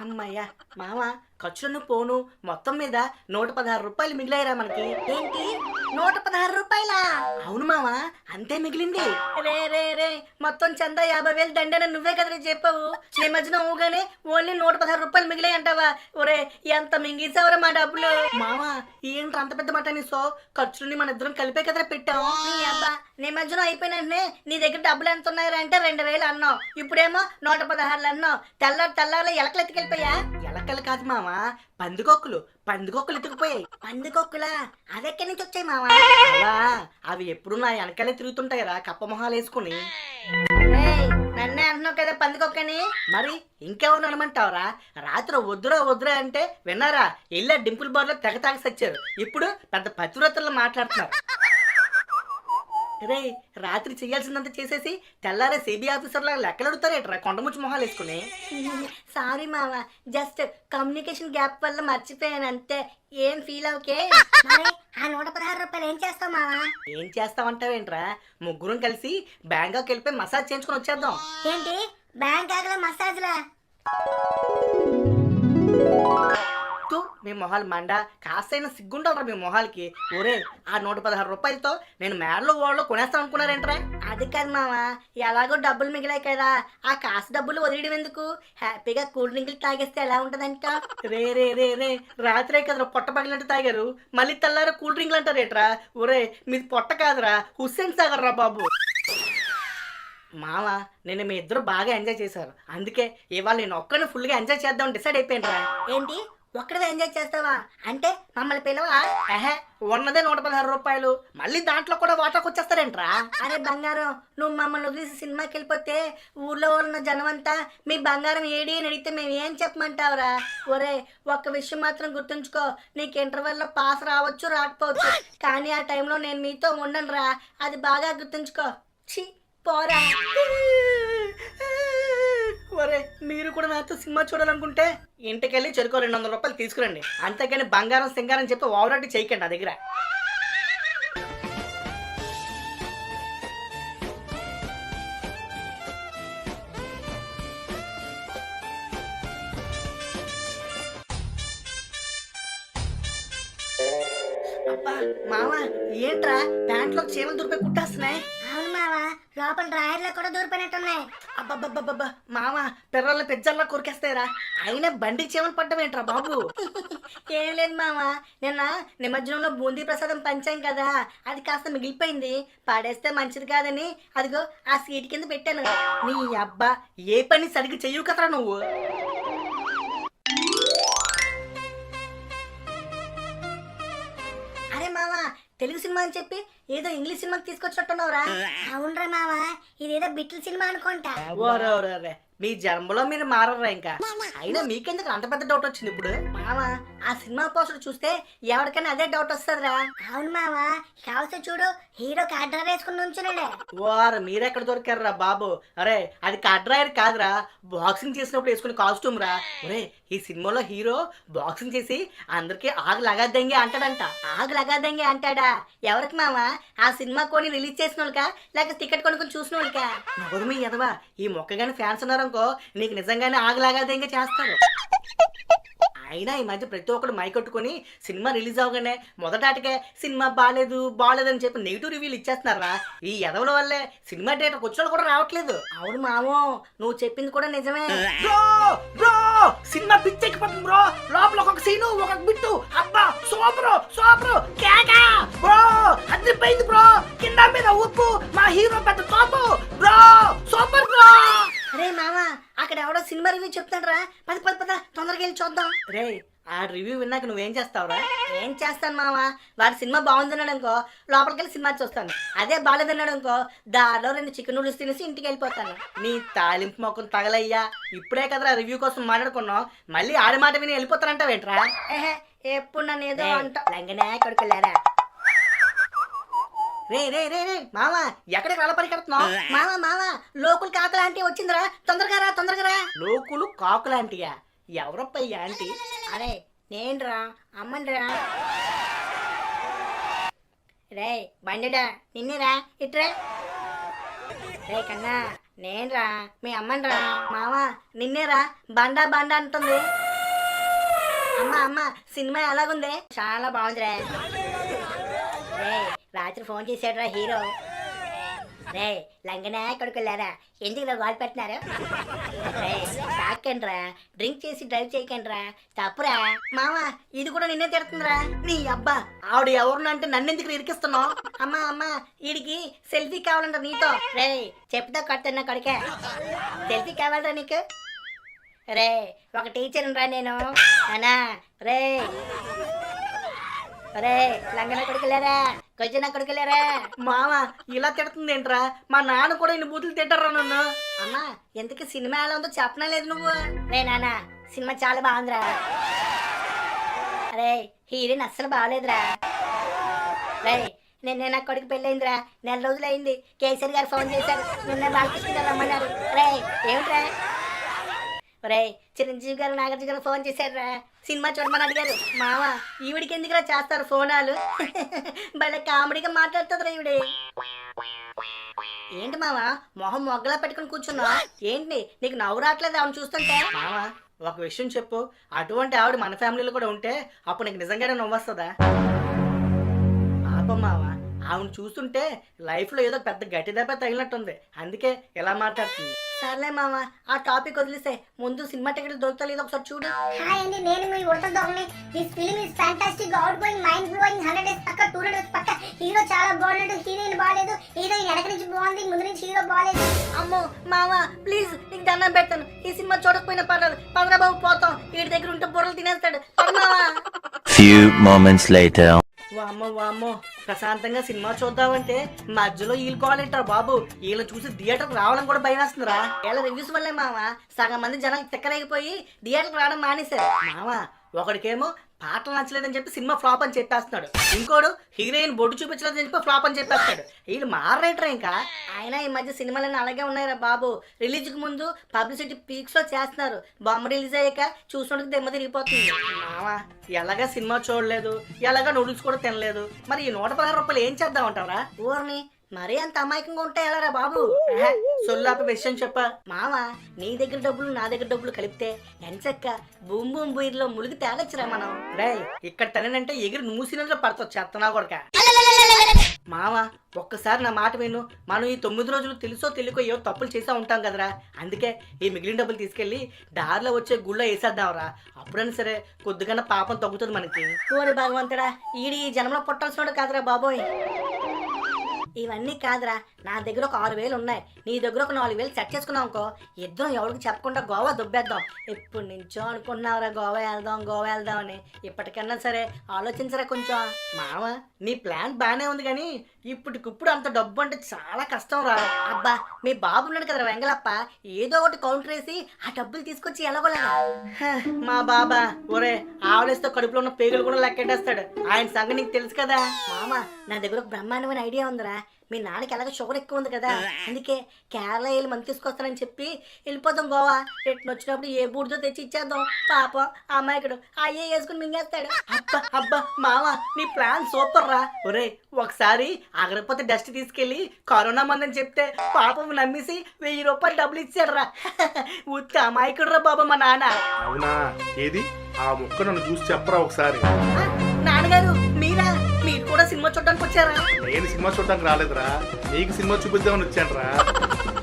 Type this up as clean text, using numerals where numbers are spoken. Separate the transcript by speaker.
Speaker 1: అమ్మయ్యా మామ ఖర్చులను పోను మొత్తం మీద 116 రూపాయలు మిగిలాయిరా మనకి.
Speaker 2: ఏంటి 116 రూపాయలా?
Speaker 1: అవును మామ, అంతే మిగిలింది.
Speaker 2: రే రే రే మొత్తం చందా 50,000 దండన నువ్వే కదా చెప్పావు. ఈ మధ్యన ఊగానే ఓన్లీ 116 రూపాయలు మిగిలాయి అంటావా? ఒరే ఎంత మింగేసావురా మా డబ్బులు.
Speaker 1: మామ ఏంటి అంత పెద్ద మాట నీ? సో ఖర్చులని మన ఇద్దరం కలిపే కదా పెట్టాం.
Speaker 2: నీ అబ్బా నీ మధ్యన అయిపోయిన వెంటనే నీ దగ్గర డబ్బులు ఎంత ఉన్నాయరా అంటే 2,000 అన్నావు. ఇప్పుడేమో 116 అన్నావు. తెల్లారు ఎలకలు ఎత్తుకెళ్ళిపోయా?
Speaker 1: ఎలకలు కాదు మామ, పందికొక్కులు ఎత్తుకుపోయాయి.
Speaker 2: పందికొక్కులా? అదెక్కడి నుంచి వచ్చాయి మావా?
Speaker 1: అలా అవి ఎప్పుడు నా వెనకాలే తిరుగుతుంటాయిరా కప్ప మొహాలు వేసుకుని.
Speaker 2: నన్నే అంటున్నావు కదా పందికొక్కని.
Speaker 1: మరి ఇంకెవరు అనమంటావురా? రాత్రి వద్దురా అంటే విన్నారా? వెళ్ళా డింపుల్ బార్ లో తెగ తాగి సచ్చారు. ఇప్పుడు పెద్ద పతివ్రతల్లో మాట్లాడుతున్నారు. రే రాత్రి చేయాల్సిందంతా చేసేసి తెల్లారే సిబి ఆఫీసర్లా లెక్కలు అడుగుతారేట్రా కొండముచ్చి మొహాలు వేసుకుని.
Speaker 2: సారీ మావా, జస్ట్ కమ్యూనికేషన్ గ్యాప్ వల్ల మర్చిపోయాను అంతే. ఏం ఫీల్ అవుకే. ఆ 116 రూపాయలు ఏం చేస్తావు మావా?
Speaker 1: ఏం చేస్తావంటావేంట్రా? ముగ్గురం కలిసి బ్యాంకాక్ వెళ్ళిపోయి మసాజ్ చేయించుకుని వచ్చేద్దాం.
Speaker 2: ఏంటి బ్యాంకాక్ లో మసాజ్లా?
Speaker 1: మీ మొహాలు మండ, కాస్తైనా సిగ్గుంటారా మీ మొహాలకి? ఒరే ఆ 116 రూపాయలతో నేను మేడలో వాళ్ళు కొనేస్తాను అనుకున్నారేంట్రా?
Speaker 2: అది కాదు మావా, ఎలాగో డబ్బులు మిగిలాయి కదా, ఆ కాసు డబ్బులు వదిలేయడం ఎందుకు? హ్యాపీగా కూల్ డ్రింకులు తాగేస్తే ఎలా ఉంటదంట?
Speaker 1: రే రాత్రే కదరా పొట్ట పగిలినట్టు తాగారు, మళ్ళీ తెల్లారా కూల్ డ్రింక్లు అంటారేట్రా? ఒరే మీది పొట్ట కాదురా, హుస్సేన్ సాగర్ రా బాబు. మామ నేను మీ ఇద్దరు బాగా ఎంజాయ్ చేశారు, అందుకే ఇవాళ నేను ఒక్కడిని ఫుల్గా ఎంజాయ్ చేద్దామని డిసైడ్ అయిపోయినరా.
Speaker 2: ఏంటి ఒక్కడే ఎంజాయ్ చేస్తావా? అంటే మమ్మల్ని పిలవా?
Speaker 1: ఉన్నదే 116 రూపాయలు, మళ్ళీ దాంట్లో కూడా వాటాకు వచ్చేస్తారేంట్రా?
Speaker 2: అరే బంగారం, నువ్వు మమ్మల్ని వదిలేసి సినిమాకి వెళ్ళిపోతే ఊర్లో ఉన్న జనం అంతా మీ బంగారం ఏడి అని అడిగితే మేము ఏం చెప్పమంటావురా? ఒరే ఒక్క విషయం మాత్రం గుర్తుంచుకో, నీకు ఇంటర్వెల్లో పాస్ రావచ్చు రాకపోవచ్చు, కానీ ఆ టైంలో నేను మీతో ఉండను రా, అది బాగా గుర్తుంచుకో. ఛీ పోరా.
Speaker 1: ఒరే మీరు కూడా నాతో సినిమా చూడాలనుకుంటే ఇంటికెళ్ళి చెరుకో 200 రూపాయలు తీసుకురండి, అంతేగాని బంగారం సింగారం చెప్పి ఓవరాటి చేయకండి నా దగ్గర. అబ్బా మామ ఏంట్రా ప్యాంట్లో చీమలు దూరిపై కుట్టేస్తున్నాయి?
Speaker 2: అవును మావా, లోపల డ్రాయర్లో కూడా దూరిపోయినట్టున్నాయి.
Speaker 1: అబ్బబ్బబ్బబ్బా మామ పిర్రల్ని పెజ్జల్లా కొరికేస్తాయిరా, అయినా బండి చీమలు పడ్డమేంట్రా బాబు?
Speaker 2: ఏం లేదు మావా, నిన్న నిమజ్జనంలో బూందీ ప్రసాదం పంచాం కదా, అది కాస్త మిగిలిపోయింది, పడేస్తే మంచిది కాదని అదిగో ఆ సీట్ కింద పెట్టాను.
Speaker 1: నీ అబ్బా ఏ పని సరిగ్గా చెయ్యవు కదరా నువ్వు.
Speaker 2: అరే మావా తెలుగు సినిమా అని చెప్పి ఏదో ఇంగ్లీష్ సినిమాకి తీసుకొచ్చినట్టున్నావురా. అవునరా మావా, ఇదేదో బిట్ల సినిమా అనుకుంటా.
Speaker 1: ఓరే మీ జన్మలో మీరు మారరా ఇంకా, అయినా మీకెందుకు అంత పెద్ద డౌట్ వచ్చింది ఇప్పుడు?
Speaker 2: మావా ఆ సినిమా పోస్టర్ చూస్తే ఎవరికైనా అదే డౌట్ వస్తుందిరా. అవును మావా, కావస్తే చూడు హీరో కాడ్రా వేసుకుని నుంచున్నాడే.
Speaker 1: వారు మీరెక్కడ దొరికారా బాబు? అరే అది కడ్రాయర్ కాదురా, బాక్సింగ్ చేసినప్పుడు వేసుకునే కాస్ట్యూమ్ రా. ఒరే ఈ సినిమాలో హీరో బాక్సింగ్ చేసి అందరికి ఆగు లగాద్దంగి అంటాడంట.
Speaker 2: ఆగు లగాద్దంగి అంటాడా? ఎవరికి మావా? ఆ సినిమా కొని రిలీజ్ చేసిన వాళ్ళకా లేక టికెట్ కొనుక్కొని చూసిన వాళ్ళకా?
Speaker 1: నవ్వదు మీ ఎదవా, ఈ మొక్కగాని ఫ్యాన్స్ ఉన్నారనుకో నీకు నిజంగానే ఆగలాగాదంగా చేస్తారు. అయినా ఈ మధ్య ప్రతి ఒక్కరు మైకొట్టుకుని సినిమా రిలీజ్ అవగానే మొదటాటికే సినిమా బాగాలేదని చెప్పి నెగిటివ్ రివ్యూలు ఇచ్చేస్తున్నారా. ఈ ఎదవల వల్లే సినిమా థియేటర్కి వచ్చిన కూడా రావట్లేదు.
Speaker 2: అవును మామో, నువ్వు చెప్పింది కూడా నిజమే.
Speaker 1: బ్రో సినిమా పిచ్చెక్కిపోతుంది బ్రో, లోపల ఒక సీను ఒక బిట్టు అబ్బా సూపర్ కేక బ్రో, అదిరిపోయింది బ్రో, కింద మీద ఉప్పు, మా హీరో పెద్ద తోపు బ్రో, సూపర్ బ్రో.
Speaker 2: అరే మామా అక్కడ ఎవడో సినిమా రివ్యూ చెప్తాడ్రా, పద తొందరగా వెళ్ళి చూద్దాం.
Speaker 1: రే ఆ రివ్యూ విన్నాక నువ్వేం చేస్తావురా?
Speaker 2: ఏం చేస్తాను మామా, వాడి సినిమా బాగుందన్నాడు అనుకో లోపలికి వెళ్ళి సినిమా చూస్తాను, అదే బాగాలేదన్నాడు అనుకో దారిలో 2 చికెన్ నూడిల్స్ తినేసి ఇంటికి వెళ్ళిపోతాను.
Speaker 1: నీ తాలింపు మొక్కను తగలయ్యా, ఇప్పుడే కదరా రివ్యూ కోసం మాట్లాడుకున్నావు, మళ్ళీ ఆడి మాట విని వెళ్ళిపోతానంటావేంట్రా?
Speaker 2: ఎప్పుడు నన్ను ఏదో అంట
Speaker 1: లంగనే కొడుకులారా. రే మామ ఎక్కడికి రాళ్ళ పరిగెడుతున్నావు?
Speaker 2: మావా లోకులు కాకుల ఆంటీ వచ్చిందిరా, తొందరగా రా.
Speaker 1: లోకులు కాకులాంటియా? ఎవరప్ప ఈ ఆంటీ?
Speaker 2: అరే నేనురా, అమ్మనిరా. రే బండిడా నిన్నేరా, ఇట్రా. రే కన్నా నేనురా మీ అమ్మనిరా. మామ నిన్నేరా బండా బండా అంటుంది. అమ్మ సినిమా ఎలాగుంది? చాలా బాగుందిరా. రే రాత్రి ఫోన్ చేశాడురా హీరో. రే లంగనా కొడుకులారా ఎందుకు ఇలా గోల్ పెట్టినారు? రే తాకండ్రా, డ్రింక్ చేసి డ్రైవ్ చేయకండ్రా, తప్పురా. మామ ఇది కూడా నిన్నే తిడుతుందిరా.
Speaker 1: నీ అబ్బా ఆవిడ ఎవరినంటే నన్నెందుకు ఇరికిస్తున్నావు?
Speaker 2: అమ్మ వీడికి సెల్ఫీ కావాలంట నీతో. రే చెప్తా కొడుతున్నా కొడుకే, సెల్ఫీ కావాలరా నీకు? రే ఒక టీచర్ రా నేను అనా. రే రే లంగన కొడుకులేరా, కొంచెం కొడుకులేరా.
Speaker 1: మామ ఇలా తిడుతుంది ఏంట్రా? మా నాన్న కూడా ఇన్ని బూతులు తింటారా నన్ను?
Speaker 2: అమ్మా ఎందుకు సినిమా ఎలా ఉందో చెప్పనే లేదు నువ్వు. రే నాన్న సినిమా చాలా బాగుందిరా. అరే హీరోయిన్ అస్సలు బాగలేదురా. రే నిన్నే నా కొడుకు పెళ్ళయిందిరా, 4 రోజులు అయింది. కేసరి గారు ఫోన్ చేశారు, నిన్న బాలకృష్ణ గారు రమ్మన్నారు. రే ఏమిట్రా? రే చిరంజీవి గారు నాగార్జున గారు ఫోన్ చేశారురా, సినిమా చూడమని అడిగారు. మామ ఈవిడికి ఎందుకురా చేస్తారు ఫోనాలు? భలే కామెడీగా మాట్లాడుతుందిరా ఈవిడే. ఏంటి మామ మొహం మొగ్గలా పెట్టుకుని కూర్చున్నా? ఏంటి నీకు నవ్వు రావట్లేదు ఆమెను చూస్తుంటే?
Speaker 1: మామ ఒక విషయం చెప్పు, అటువంటి ఆవిడ మన ఫ్యామిలీలో కూడా ఉంటే అప్పుడు నీకు నిజంగానే నవ్వొస్తుందా? పాపం మామ ఆవిడ చూస్తుంటే లైఫ్లో ఏదో పెద్ద గట్టి దెబ్బ తగిలినట్టుంది, అందుకే ఎలా మాట్లాడుతుంది.
Speaker 2: సర్లే మామ ఆ టాపిక్ వదిలేసే, ముందు సినిమా టికెట్లు దొరుకుతలేదు ఒకసారి చూడు.
Speaker 3: హాయ్ అండి, నేను మీ ఉడత దొంగని. This film is fantastic, out going, mind blowing, 100 days పక్క, 200 డేస్ పక్క. హీరో చాలా బాగున్నాడు, హీరోయిన్ బాగాలేదు. హీరోయిన్ వెనక నుంచి బాగుంది, ముందు నుంచి హీరో బాగాలేదు.
Speaker 2: అమ్మో మామ ప్లీజ్ నీకు దండం పెడతాను, ఈ సినిమా చూడకపోయినా పర్లేదు. పదరా బాబు పోతాం, వీడి దగ్గర ఉంటే బుర్రలు తినేస్తాడు.
Speaker 4: Few moments later.
Speaker 1: వామ్మో ప్రశాంతంగా సినిమా చూద్దామంటే మధ్యలో వీళ్ళు కావాలంటారు బాబు. వీళ్ళని చూసి థియేటర్కి రావడం కూడా భయం వేస్తుందిరా.
Speaker 2: వీళ్ళ రివ్యూస్ వల్లే మామ సగం మంది జనం తిక్కరైపోయి థియేటర్కి రావడం మానేశారు.
Speaker 1: మామ ఒకడికేమో పాటలు నచ్చలేదని చెప్పి సినిమా ఫ్లాప్ అని చెప్పేస్తున్నాడు, ఇంకోడు హీరోయిన్ బొడ్డు చూపించలేదని చెప్పి ఫ్లాప్ అని చెప్పేస్తాడు. వీళ్ళు మారరేంటరా ఇంకా?
Speaker 2: అయినా ఈ మధ్య సినిమాలన్నీ అలాగే ఉన్నాయిరా బాబు. రిలీజ్కి ముందు పబ్లిసిటీ పీక్స్ లో చేస్తున్నారు, బొమ్మ రిలీజ్ అయ్యాక చూసినోడికి దెమ్మ తిరిగిపోతుంది.
Speaker 1: మామ ఎలాగా సినిమా చూడలేదు, ఎలాగా నూడిల్స్ కూడా తినలేదు, మరి ఈ 116 రూపాయలు ఏం చేద్దామంటారా?
Speaker 2: ఊరిని మరీ అంత అమాయకంగా ఉంటాయి ఎలారా బాబు?
Speaker 1: సొల్లాప విషయం చెప్పా.
Speaker 2: మామ నీ దగ్గర డబ్బులు నా దగ్గర డబ్బులు కలిపితే ఎంచక్క బూమ్ బూమ్ బూయిలో ములిగి తేలొచ్చురా మనం.
Speaker 1: రే ఇక్కడ తనేనంటే ఎగిరి మూసినట్లు పడతావు చెత్తనా కొడక. మామ ఒక్కసారి నా మాట విను, మనం ఈ 9 రోజులు తెలుసో తెలియకో ఏవో తప్పులు చేసా ఉంటాం కదరా, అందుకే ఈ మిగిలిన డబ్బులు తీసుకెళ్లి దారిలో వచ్చే గుళ్ళో వేసేద్దాంరా. అప్పుడైనా సరే కొద్దిగా పాపం తగ్గుతుంది మనకి.
Speaker 2: ఓరి భగవంతుడా, ఈడి ఈ జనంలో పుట్టాల్సినోడు కాదురా బాబోయ్. ఇవన్నీ కాదురా, నా దగ్గర ఒక 6,000 ఉన్నాయి, నీ దగ్గర ఒక 4,000 సెట్ చేసుకున్నావు అనుకో, ఇద్దరం ఎవరికి చెప్పకుండా గోవా దుబ్బేద్దాం. ఎప్పుడు నుంచో అనుకున్నావురా గోవా వెళ్దాం అని, ఇప్పటికన్నా సరే ఆలోచించరా కొంచెం.
Speaker 1: మామ నీ ప్లాన్ బానే ఉంది కానీ ఇప్పటికిప్పుడు అంత డబ్బు అంటే చాలా కష్టం రా.
Speaker 2: అబ్బా మీ బాబు ఉన్నాడు కదరా వెంగళప్ప, ఏదో ఒకటి కౌంటర్ వేసి ఆ డబ్బులు తీసుకొచ్చి ఎలాగోలాగా.
Speaker 1: మా బాబా ఒరే ఆవలేస్తే కడుపులో ఉన్న పేగులు కూడా లెక్కెట్టేస్తాడు, ఆయన సంగతి నీకు తెలుసు కదా.
Speaker 2: మామ నా దగ్గర ఒక బ్రహ్మాండమైన ఐడియా ఉందిరా. మీ నాన్నకి ఎలాగో షుగర్ ఎక్కువ ఉంది కదా, అందుకే కేరళ వెళ్ళి మంది తీసుకొస్తానని చెప్పి వెళ్ళిపోతాం గోవా. రిటర్న్ వచ్చినప్పుడు ఏ బూడితో తెచ్చి ఇచ్చేద్దాం. పాపం ఆ అమ్మాయికుడు అయ్యే వేసుకుని మింగేస్తాడు.
Speaker 1: అబ్బా మామ నీ ప్లాన్ సూపర్ రా. ఒరే ఒకసారి ఆగరపోతే డస్ట్ తీసుకెళ్లి కరోనా మందని చెప్తే పాపం నమ్మేసి 1000 రూపాయలు డబ్బులు ఇచ్చాడు రా. ఉత్త అమాయకుడు రా బాబా మా నాన్న.
Speaker 5: అవునా, ఏది ఆ ముక్క నన్ను చూసి చెప్పరా ఒకసారి.
Speaker 1: నాన్నగారు మీరా? మీరు కూడా సినిమా చూడడానికి వచ్చారా?
Speaker 5: నేను సినిమా చూడటానికి రాలేదురా, నీకు సినిమా చూపిద్దామని వచ్చాను రా.